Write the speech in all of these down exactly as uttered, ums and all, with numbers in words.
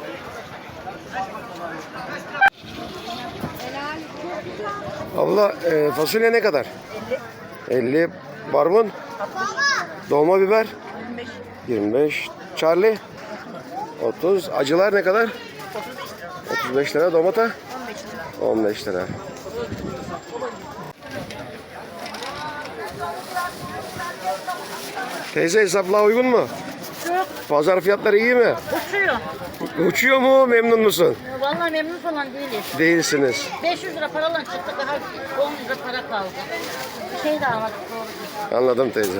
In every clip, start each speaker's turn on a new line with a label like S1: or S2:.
S1: Abla e, fasulye ne kadar? elli. elli. Barbun? Dolma biber?
S2: yirmi beş.
S1: yirmi beş. Charlie? otuz. Acılar ne kadar? otuz beş lira. Domata? on beş lira. Teyze hesapla uygun mu?
S2: Çok
S1: Pazar fiyatları iyi mi?
S2: uçuyor.
S1: Uçuyor mu? Memnun musun?
S2: Vallahi memnun falan değiliz.
S1: Değilsiniz.
S2: beş yüz lira paralan çıktık, daha on lira para kaldı. Bir şey de almadık doğru.
S1: Anladım teyze.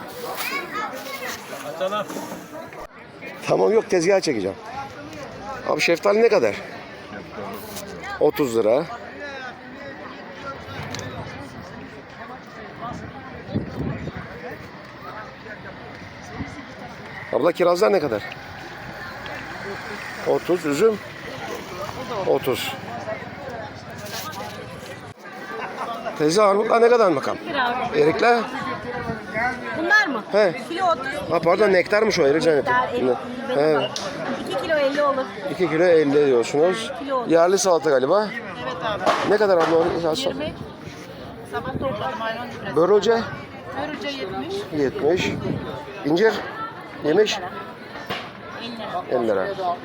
S1: Tamam, yok, tezgaha çekeceğim. Abi şeftali ne kadar? otuz lira. Abla kirazlar ne kadar? otuz. Üzüm? otuz. Teyze armutlar ne kadar bakalım? Erikler?
S2: Bunlar mı?
S1: He.
S2: Kilo otuz.
S1: Ha pardon, nektarmış o, erik zannettim. He.
S2: iki kilo elli olur.
S1: iki kilo elli diyorsunuz. Yerli salata galiba.
S2: Evet abi.
S1: Ne kadar abla onu?
S2: yirmi. Sabah topladım ayran litresi.
S1: Börülce?
S2: Börülce yetmiş.
S1: yetmiş. İncir? Yemiş? elli lira.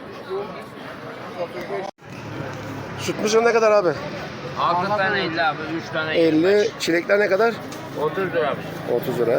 S1: Süt mısır ne kadar abi?
S3: altı tane elli abi, üç tane
S1: elli. Çilekler ne kadar?
S3: otuz lira abi.
S1: otuz lira.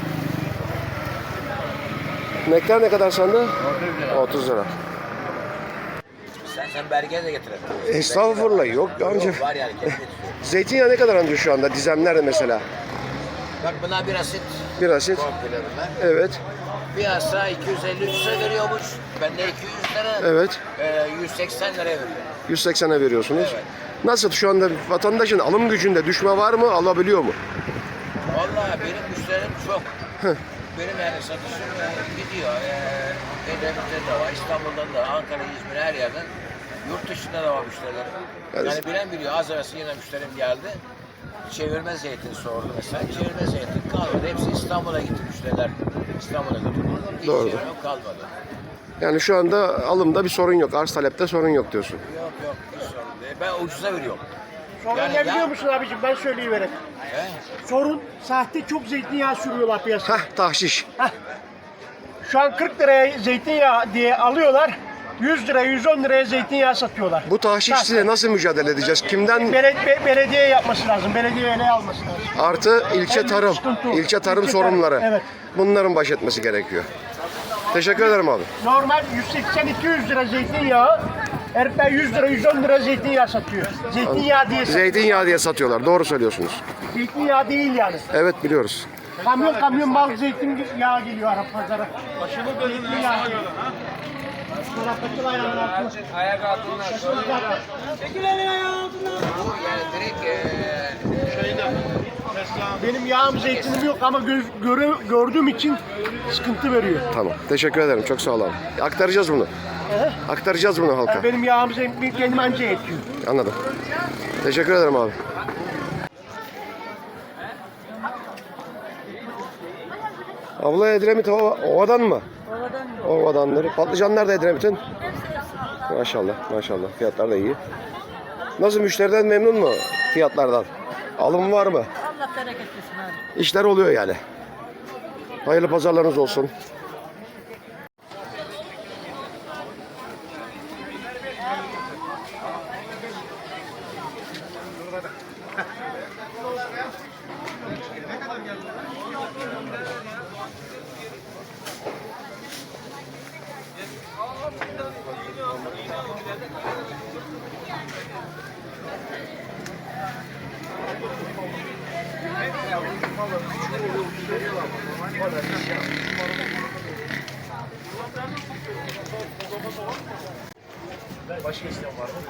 S1: Nektar ne kadar sende?
S3: otuz lira.
S1: otuz lira.
S3: Sen sen belge de getirelim.
S1: Estağfurullah, yok amca.
S3: Yok, var yani kendi getiriyor.
S1: Zeytinyağı ne kadar amca şu anda? Dizemlerde mesela.
S3: Bak buna bir asit.
S1: Bir asit.
S3: Komple bunlar.
S1: Evet.
S3: Bir asa iki yüz elli üç lira veriyormuş. Ben de iki yüz lira.
S1: Evet.
S3: E, yüz seksen liraya veriyorum.
S1: yüz seksene veriyorsunuz.
S3: Evet.
S1: Nasıl şu anda vatandaşın alım gücünde düşme var mı? Alabiliyor mu?
S3: Vallahi benim müşterim çok. Benim yani satışım e, gidiyor. E, Edremit'te de var, İstanbul'da da, Ankara, İzmir, her yerden. Yurt dışında da var müşterilerim.
S1: Evet.
S3: Yani bilen biliyor. Az evvel yine müşterim geldi. Çevirme zeytin sordu mesela. Çevirme zeytin kalmadı. Hepsi İstanbul'a gitti müşteriler. İstanbul'a götürdü. Hiç
S1: Doğru.
S3: çevirme kalmadı.
S1: Yani şu anda alımda bir sorun yok. Arz talepte sorun yok diyorsun.
S3: Yok yok. Hiç sorun değil. Ben ucuza veriyorum.
S4: Sorun
S3: Yani
S4: ne
S3: ya-
S4: biliyor musun abicim, ben söyleyivereyim.
S3: He?
S4: Sorun sahte çok zeytinyağı sürüyorlar piyasaya.
S1: Hah, tahşiş.
S4: Şu an kırk liraya zeytinyağı diye alıyorlar. yüz liraya yüz on liraya zeytinyağı satıyorlar.
S1: Bu tahşiş
S4: Sahte.
S1: size nasıl mücadele edeceğiz? Kimden?
S4: Beled- be- belediye yapması lazım. Belediye ele alması lazım.
S1: Artı ilçe
S4: En
S1: tarım.
S4: sıkıntı o.
S1: İlçe tarım
S4: İlçe
S1: sorunları.
S4: tarım, evet.
S1: Bunların baş etmesi gerekiyor. Teşekkür ederim abi.
S4: Normal yüz seksen iki yüz lira zeytinyağı, herifler yüz lira yüz on lira zeytinyağı satıyor. Zeytinyağı diye satıyor.
S1: Zeytinyağı diye satıyorlar. Doğru söylüyorsunuz.
S4: Zeytinyağı değil yani.
S1: Evet, biliyoruz.
S4: Kamyon kamyon mal zeytinyağı geliyor Arap pazara. Zeytinyağı geliyor. Taraftakı ayağının altına.
S3: Ayak altından
S4: Çekil elini ayağının altından.
S3: yani direkt e,
S4: Benim yağım zeytinim yok ama göz, göre, gördüğüm için sıkıntı veriyor.
S1: Tamam. Teşekkür ederim. Çok sağ ol abi. Aktaracağız bunu.
S4: He?
S1: Aktaracağız bunu halka.
S4: Benim yağım zeytinim kendim anca yetiyor.
S1: Anladım. Teşekkür ederim abi. Abla Edremit Ova- Ova'dan mı?
S2: Ovadan mı?
S1: Ova'dandır. Patlıcanlar da Edremit'in. Maşallah, maşallah. Fiyatlar da iyi. Nasıl, müşteriden memnun mu fiyatlardan? Alım var mı?
S2: Allah bereket versin abi.
S1: İşler oluyor yani. Hayırlı pazarlarınız olsun.
S4: Başka isteyen var mı?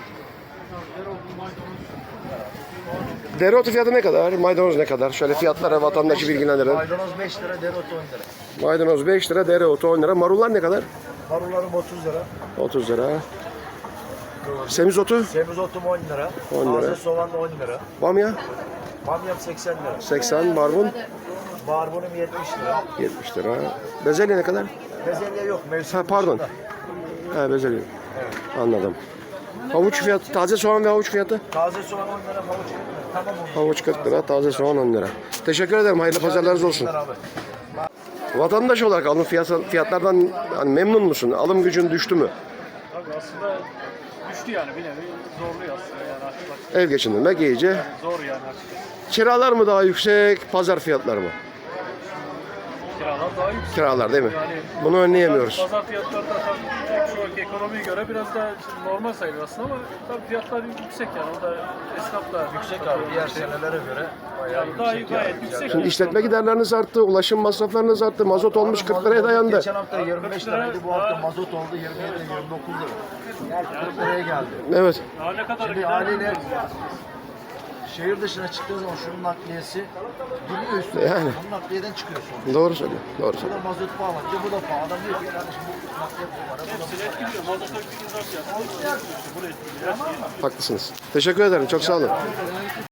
S1: Dereotu fiyatı ne kadar? Maydanoz ne kadar? Şöyle fiyatlara vatandaşı bilgilendirelim.
S4: Maydanoz beş lira, dereotu on lira.
S1: Maydanoz beş lira, dereotu on lira. Marullar ne kadar?
S4: Marullarım otuz lira.
S1: otuz lira. Semizotu?
S4: Semizotum on lira.
S1: on lira.
S4: Taze soğan on lira.
S1: Bamya?
S4: Bamyam seksen lira.
S1: seksen. Barbun?
S4: Barbunum yetmiş lira.
S1: yetmiş lira. Bezelye ne kadar?
S4: Bezelye yok mevsim.
S1: Ha, pardon.
S4: dışında.
S1: Ha, bezelye.
S4: Evet.
S1: Anladım. Havuç fiyatı, taze soğan ve havuç fiyatı?
S5: Taze soğan on lira, havuç kırk lira. Tamam on lira.
S1: Havuç kırk lira, taze soğan on lira. Teşekkür ederim. Hayırlı pazarlarınız olsun.
S5: Abi.
S1: Vatandaş olarak alım fiyatı, fiyatlardan hani memnun musun? Alım gücün düştü mü?
S6: Tabii aslında düştü yani bir nevi zorluyor aslında yani açıkçası.
S1: Ev geçindirmek iyice.
S6: Zor yani açıkçası.
S1: Kiralar mı daha yüksek, pazar fiyatları mı?
S6: Kiralar daha yüksek.
S1: Kiralar değil mi?
S6: Yani
S1: Bunu önleyemiyoruz.
S6: Pazar fiyatları da tabii şu anki ekonomiye göre biraz da normal sayılır aslında ama tabii fiyatlar yüksek yani o da esnaf da
S5: Yüksek abi diğer senelere göre bayağı
S6: yani daha
S5: yüksek.
S6: gayet yüksek.
S1: Şimdi işletme giderleriniz arttı, ulaşım masraflarınız arttı, mazot olmuş kırk liraya dayandı.
S5: Geçen hafta yirmi beş liraydı, bu hafta mazot oldu yirmi yedi yirmi dokuz lira. kırk liraya geldi.
S1: Evet.
S6: Daha ne kadar
S5: Şimdi
S6: gider
S5: haliyle
S6: bilmiyoruz.
S5: şehir dışına çıktığı zaman şunun nakliyesi biniyor üstüne.
S1: Yani.
S5: Bunun nakliyeden çıkıyor sonra.
S1: Doğru söylüyor. Doğru
S5: Bu
S1: söylüyor.
S5: da mazot pahalı. Bir de bu da pahalı. Adam diyor ki kardeşim bu nakliye bu para. Bu da
S6: Hepsini etkiliyor. Mazota bir zam fiyatı. Buraya etkiliyor. Her şeyi etkiliyor.
S1: Haklısınız. Teşekkür ederim. Çok sağ olun.